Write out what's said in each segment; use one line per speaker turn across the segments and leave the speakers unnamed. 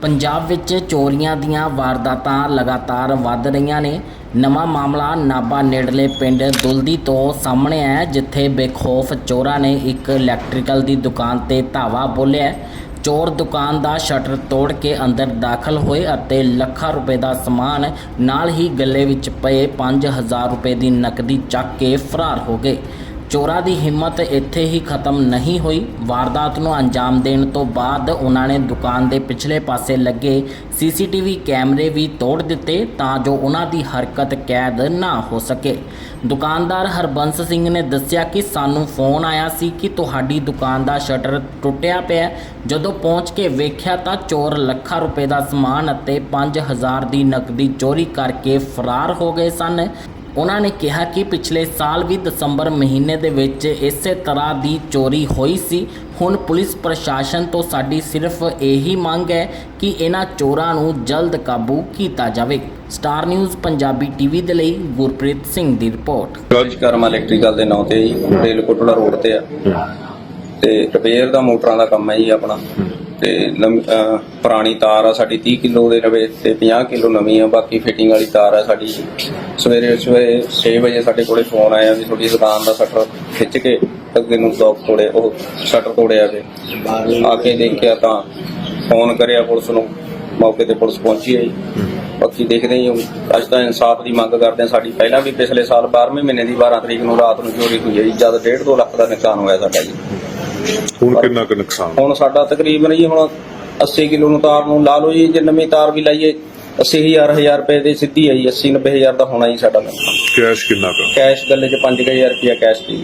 ਪੰਜਾਬ ਵਿੱਚ ਚੋਰੀਆਂ ਦੀਆਂ ਵਾਰਦਾਤਾਂ ਲਗਾਤਾਰ ਵੱਧ ਰਹੀਆਂ ਨੇ। ਨਵਾਂ ਮਾਮਲਾ ਨਾਭਾ ਨੇੜਲੇ ਪਿੰਡ ਦੁਲਦੀ ਤੋਂ ਸਾਹਮਣੇ ਆਇਆ, ਜਿੱਥੇ ਬੇਖੌਫ ਚੋਰਾਂ ਨੇ ਇੱਕ ਇਲੈਕਟ੍ਰੀਕਲ ਦੀ ਦੁਕਾਨ ਤੇ ਧਾਵਾ ਬੋਲਿਆ। ਚੋਰ ਦੁਕਾਨ ਦਾ ਸ਼ਟਰ ਤੋੜ ਕੇ ਅੰਦਰ ਦਾਖਲ ਹੋਏ ਅਤੇ ਲੱਖਾਂ ਰੁਪਏ ਦਾ ਸਮਾਨ ਨਾਲ ਹੀ ਗੱਲੇ ਵਿੱਚ ਪਏ 5000 ਰੁਪਏ ਦੀ ਨਕਦੀ ਚੱਕ ਕੇ ਫਰਾਰ ਹੋ ਗਏ। ਚੋਰਾਂ ਦੀ ਹਿੰਮਤ ਇੱਥੇ ਹੀ ਖਤਮ ਨਹੀਂ ਹੋਈ। ਵਾਰਦਾਤ ਨੂੰ ਅੰਜਾਮ ਦੇਣ ਤੋਂ ਬਾਅਦ ਉਹਨਾਂ ਨੇ ਦੁਕਾਨ ਦੇ ਪਿਛਲੇ ਪਾਸੇ ਲੱਗੇ ਸੀਸੀਟੀਵੀ ਕੈਮਰੇ ਵੀ ਤੋੜ ਦਿੱਤੇ ਤਾਂ ਜੋ ਉਹਨਾਂ ਦੀ ਹਰਕਤ ਕੈਦ ਨਾ ਹੋ ਸਕੇ। ਦੁਕਾਨਦਾਰ ਹਰਬੰਸ ਸਿੰਘ ਨੇ ਦੱਸਿਆ ਕਿ ਸਾਨੂੰ ਫੋਨ ਆਇਆ ਸੀ ਕਿ ਤੁਹਾਡੀ ਦੁਕਾਨ ਦਾ ਸ਼ਟਰ ਟੁੱਟਿਆ ਪਿਆ। ਜਦੋਂ ਪਹੁੰਚ ਕੇ ਵੇਖਿਆ ਤਾਂ ਚੋਰ ਲੱਖਾਂ ਰੁਪਏ ਦਾ ਸਮਾਨ ਅਤੇ 5000 ਦੀ ਨਕਦੀ ਚੋਰੀ ਕਰਕੇ ਫਰਾਰ ਹੋ ਗਏ ਸਨ। ਉਹਨਾਂ ਨੇ ਕਿਹਾ ਕਿ ਪਿਛਲੇ ਸਾਲ ਵੀ ਦਸੰਬਰ ਮਹੀਨੇ ਦੇ ਵਿੱਚ ਇਸੇ ਤਰ੍ਹਾਂ ਦੀ ਚੋਰੀ ਹੋਈ ਸੀ। ਹੁਣ ਪੁਲਿਸ ਪ੍ਰਸ਼ਾਸਨ ਤੋਂ ਸਾਡੀ ਸਿਰਫ ਇਹੀ ਮੰਗ ਹੈ ਕਿ ਇਹਨਾਂ ਚੋਰਾਂ ਨੂੰ ਜਲਦ ਕਾਬੂ ਕੀਤਾ ਜਾਵੇ। ਸਟਾਰ ਨਿਊਜ਼ ਪੰਜਾਬੀ ਟੀਵੀ ਦੇ ਲਈ ਗੁਰਪ੍ਰੀਤ ਸਿੰਘ ਦੀ ਰਿਪੋਰਟ।
ਕਰਮਾ ਇਲੈਕਟ੍ਰੀਕਲ ਦੇ ਨਾਂ ਤੇ ਜੀ ਰੇਲ ਕੋਟੜਾ ਰੋਡ ਤੇ ਆ ਤੇ ਰਿਪੇਅਰ ਦਾ ਮੋਟਰਾਂ ਦਾ ਕੰਮ ਹੈ ਜੀ ਆਪਣਾ। ਤੇ ਪੁਰਾਣੀ ਤਾਰ ਆ ਸਾਡੀ 30 ਕਿਲੋ ਦੇ ਰਵੇ ਤੇ 50 ਕਿਲੋ ਨਵੀਂ ਆ, ਬਾਕੀ ਫਿਟਿੰਗ ਵਾਲੀ ਤਾਰ ਆ ਸਾਡੀ। ਸਵੇਰੇ 6 ਵਜੇ ਸਾਡੇ ਕੋਲੇ ਫੋਨ ਆਇਆ ਵੀ ਤੁਹਾਡੀ ਦੁਕਾਨ ਦਾ ਸ਼ਟਰ ਖਿੱਚ ਕੇ ਅੱਗੇ ਨੂੰ ਲੋਕ ਤੋੜੇ, ਉਹ ਸ਼ਟਰ ਤੋੜਿਆ ਕੇ ਆ ਕੇ ਦੇਖਿਆ ਤਾਂ ਫੋਨ ਕਰਿਆ ਪੁਲਿਸ ਨੂੰ। ਮੌਕੇ ਤੇ ਪੁਲਿਸ ਪਹੁੰਚੀ ਹੈ ਜੀ। ਬਾਕੀ ਦੇਖਦੇ ਹਾਂ ਅੱਜ ਤਾਂ ਇਨਸਾਫ ਦੀ ਮੰਗ ਕਰਦੇ ਹਾਂ। ਸਾਡੀ ਪਹਿਲਾਂ ਵੀ ਪਿਛਲੇ ਸਾਲ 12ਵੇਂ ਮਹੀਨੇ ਦੀ 12 ਤਰੀਕ ਨੂੰ ਰਾਤ ਨੂੰ ਚੋਰੀ ਹੋਈ ਹੈ ਜੀ, ਜਦ 1.5-2 ਲੱਖ ਦਾ ਨੁਕਸਾਨ ਹੋਇਆ ਸਾਡਾ ਜੀ।
ਹੁਣ ਕਿੰਨਾ ਕੁ ਨੁਕਸਾਨ?
ਹੁਣ ਸਾਡਾ ਤਕਰੀਬਨ ਜੀ ਹੁਣ 80 ਕਿਲੋ ਨੂੰ ਤਾਰ ਨੂੰ ਲਾ ਲਓ ਜੀ, ਜੇ ਨਵੀਂ ਤਾਰ ਵੀ ਲਾਈਏ 80,000 ਰੁਪਏ ਦੀ ਸਿੱਧੀ ਹੈ ਜੀ। 80-90,000 ਦਾ ਹੋਣਾ ਜੀ ਸਾਡਾ ਨੁਕਸਾਨ।
ਕੈਸ਼ ਕਿੰਨਾ ਕੁ?
ਕੈਸ਼ ਗੱਲੇ 'ਚ 5000 ਰੁਪਇਆ ਕੈਸ਼ ਸੀ।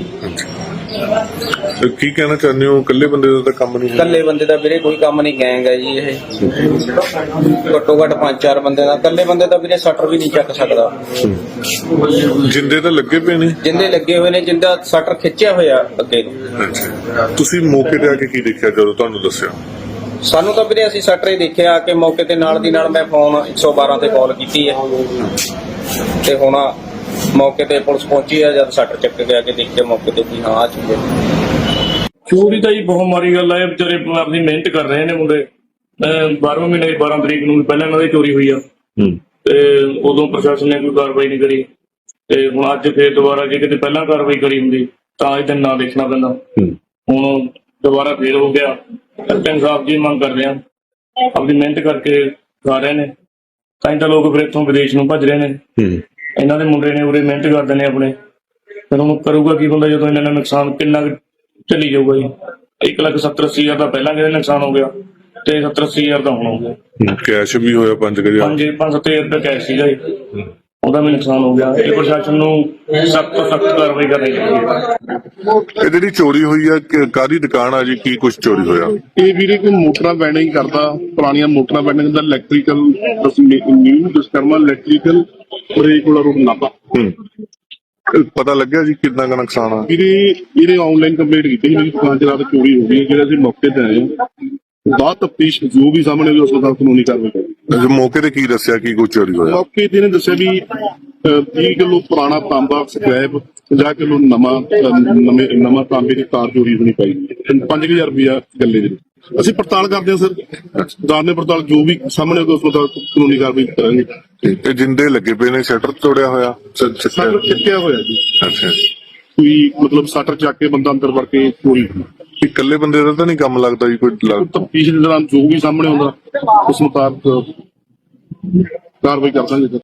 ਤੇ ਕੀ ਕਹਿਣਾ ਚਾਹੁੰਦੇ ਹੋ? ਇਕੱਲੇ ਬੰਦੇ ਦਾ ਤਾਂ ਕੰਮ ਨਹੀਂ ਹੈ?
ਇਕੱਲੇ ਬੰਦੇ ਦਾ ਵੀਰੇ ਕੋਈ ਕੰਮ ਨਹੀਂ, ਗੈਂਗ ਹੈ ਜੀ ਇਹ। ਘੱਟੋ ਘੱਟ 5-4 ਬੰਦੇ ਦਾ। ਇਕੱਲੇ ਬੰਦੇ ਦਾ ਵੀਰੇ ਸ਼ਟਰ ਵੀ ਨਹੀਂ ਚੱਕ ਸਕਦਾ।
ਜਿੰਦੇ ਤਾਂ ਲੱਗੇ ਪਏ ਨੇ?
ਜਿੰਦੇ ਲੱਗੇ ਹੋਏ ਨੇ, ਜਿੰਦਾ ਸ਼ਟਰ ਖਿੱਚਿਆ ਹੋਇਆ ਅੱਗੇ ਨੂੰ।
ਅੱਛਾ, ਤੁਸੀਂ ਮੌਕੇ ਤੇ ਆ ਕੇ ਕੀ ਦੇਖਿਆ ਜਦੋਂ ਤੁਹਾਨੂੰ ਦੱਸਿਆ?
ਸਾਨੂੰ ਤਾਂ ਵੀਰੇ ਅਸੀਂ ਸ਼ਟਰ ਹੀ ਦੇਖਿਆ ਕਿ ਮੌਕੇ ਤੇ ਨਾਲ ਦੀ ਨਾਲ ਮੈਂ ਫੋਨ 112 ਤੇ ਕਾਲ ਕੀਤੀ ਹੈ ਤੇ ਹੁਣ ਮੌਕੇ ਤੇ ਪੁਲਿਸ ਪਹੁੰਚੀ ਹੈ। ਜਦ ਸ਼ਟਰ ਚੱਕ ਕੇ ਆ ਕੇ ਦੇਖਿਆ ਮੌਕੇ ਤੇ ਵੀ ਹਾਂ ਆ ਚੀਜ਼ ਹੈ।
ਚੋਰੀ ਤਾਂ ਜੀ ਬਹੁਤ ਮਾੜੀ ਗੱਲ ਆ। ਇਹ ਵਿਚਾਰੇ ਆਪਣੀ ਮਿਹਨਤ ਕਰ ਰਹੇ ਨੇ ਮੁੰਡੇ। 12ਵੇਂ ਮਹੀਨੇ ਦੀ 12 ਤਰੀਕ ਨੂੰ ਪਹਿਲਾਂ ਇਹਨਾਂ ਦੀ ਚੋਰੀ ਹੋਈ ਆ ਤੇ ਉਦੋਂ ਪ੍ਰਸ਼ਾਸਨ ਨੇ ਕੋਈ ਕਾਰਵਾਈ ਨਹੀਂ ਕਰੀ ਤੇ ਹੁਣ ਅੱਜ ਫੇਰ ਦੁਬਾਰਾ ਜੇ ਕਿਤੇ ਪਹਿਲਾਂ ਕਾਰਵਾਈ ਕਰੀ ਹੁੰਦੀ ਤਾਂ ਇਹ ਦਿਨ ਨਾ ਦੇਖਣਾ ਪੈਂਦਾ। ਹੁਣ ਦੁਬਾਰਾ ਫੇਰ ਹੋ ਗਿਆ। ਇਨਸਾਫ ਦੀ ਮੰਗ ਕਰਦੇ ਆ। ਆਪਣੀ ਮਿਹਨਤ ਕਰਕੇ ਖਾ ਰਹੇ ਨੇ ਤਾਂ ਹੀ ਤਾਂ ਲੋਕ ਫਿਰ ਇੱਥੋਂ ਵਿਦੇਸ਼ ਨੂੰ ਭੱਜ ਰਹੇ ਨੇ। ਇਹਨਾਂ ਦੇ ਮੁੰਡੇ ਨੇ ਉਰੇ ਮਿਹਨਤ ਕਰਦੇ ਨੇ ਆਪਣੇ। ਫਿਰ ਹੁਣ ਕਰੂਗਾ ਕੀ ਬੰਦਾ ਜਦੋਂ ਇਹਨਾਂ ਦਾ ਨੁਕਸਾਨ ਕਿੰਨਾ ਚੱਲੀ ਜਾਊਗਾ ਜੀ। 1,70,80,000 ਦਾ ਪਹਿਲਾਂ ਕਿਹਦੇ ਨੁਕਸਾਨ ਹੋ ਗਿਆ ਤੇ 70-80,000 ਦਾ ਹੁਣ ਹੋ ਗਿਆ।
ਕੈਸ਼ ਵੀ ਹੋਇਆ 5,000?
5-7,000 ਰੁਪਏ ਕੈਸ਼ ਸੀਗਾ ਜੀ, ਉਹਦਾ ਵੀ ਨੁਕਸਾਨ ਹੋ ਗਿਆ। ਇਹ ਪ੍ਰਸ਼ਾਸਨ ਨੂੰ ਸਖਤ ਤੋਂ ਸਖਤ ਕਾਰਵਾਈ ਕਰਨੀ ਚਾਹੀਦੀ ਹੈ।
ਇਹ ਜਿਹੜੀ ਚੋਰੀ ਹੋਈ ਆ ਕਾਹਦੀ ਦੁਕਾਨ ਆ ਜੀ? ਕੀ ਕੁਝ ਚੋਰੀ ਹੋਇਆ?
ਇਹ ਵੀਰੇ ਕੋਈ ਮੋਟਰਾਂ ਬੈਂਡਿੰਗ ਕਰਦਾ, ਪੁਰਾਣੀਆਂ ਮੋਟਰਾਂ ਬੈਂਡਿੰਗ ਦਾ ਇਲੈਕਟ੍ਰੀਕਲ ਨਿਊ ਡਿਸਕਰਮਾ ਇਲੈਕਟ੍ਰੀਕਲ ਕੋਲਾ ਰੋਡ ਨਾਭਾ।
ਪਤਾ ਲੱਗਿਆ ਜੀ ਕਿੰਨਾ ਕੁ ਨੁਕਸਾਨ ਆ?
ਵੀਰੇ ਇਹਨੇ ਆਨਲਾਈਨ ਕੰਪਲੇਂਟ ਕੀਤੀ ਸੀ ਮੇਰੀ ਦੁਕਾਨ 'ਚ ਰਾਤ ਚੋਰੀ ਹੋ ਗਈ। ਜਿਹੜੇ ਅਸੀਂ ਮੌਕੇ ਤੇ ਆਏ ਹਾਂ, ਬਾਅਦ ਤਫਤੀਸ਼ ਜੋ ਵੀ ਸਾਹਮਣੇ ਆਈ ਉਸ ਤੋਂ ਕਾਨੂੰਨੀ ਕਾਰਵਾਈ ਕਰਾਂਗੇ।
ਮੌਕੇ ਤੇ ਕੀ ਦੱਸਿਆ ਕੀ ਕੁਝ ਚੋਰੀ ਹੋਇਆ?
ਮੌਕੇ ਤੇ ਇਹਨੇ ਦੱਸਿਆ ਵੀ 30 ਕਿਲੋ ਪੁਰਾਣਾ ਤਾਂਬਾ ਸਕ੍ਰੈਪ, 50 ਕਿਲੋ ਨਵਾਂ ਤਾਂਬੇ ਦੀ ਤਾਰ ਚੋਰੀ ਹੋਣੀ ਪਾਈ, 5000 ਰੁਪਇਆ ਗੱਲੇ ਦੇ। ਅਸੀਂ ਪੜਤਾਲ ਕਰਦੇ ਹਾਂ ਸਰ, ਦਾਨੇ ਪੜਤਾਲ ਜੋ ਵੀ ਸਾਹਮਣੇ ਆਊਗਾ ਉਸ ਤੋਂ ਕਾਨੂੰਨੀ ਕਾਰਵਾਈ ਕਰਾਂਗੇ।
ਤੇ ਜਿੰਦੇ ਲੱਗੇ ਪਏ ਨੇ, ਸ਼ਟਰ ਤੋੜਿਆ ਹੋਇਆ?
ਸ਼ਟਰ ਖਿੱਚਿਆ ਹੋਇਆ ਜੀ।
ਅੱਛਾ,
ਕੋਈ ਮਤਲਬ ਸ਼ਟਰ ਚੱਕ ਕੇ ਬੰਦਾ ਅੰਦਰ ਵੜ ਕੇ ਚੋਰੀ।
ਇਕੱਲੇ ਬੰਦੇ ਦਾ ਤਾਂ ਨਹੀਂ ਕੰਮ ਲੱਗਦਾ ਜੀ? ਕੋਈ
ਤਫਤੀਸ਼ ਦੇ ਦੌਰਾਨ ਜੋ ਵੀ ਸਾਹਮਣੇ ਆਉਂਦਾ ਉਸ ਮੁਤਾਬਕ ਕਾਰਵਾਈ ਕਰ ਦਾਂਗੇ।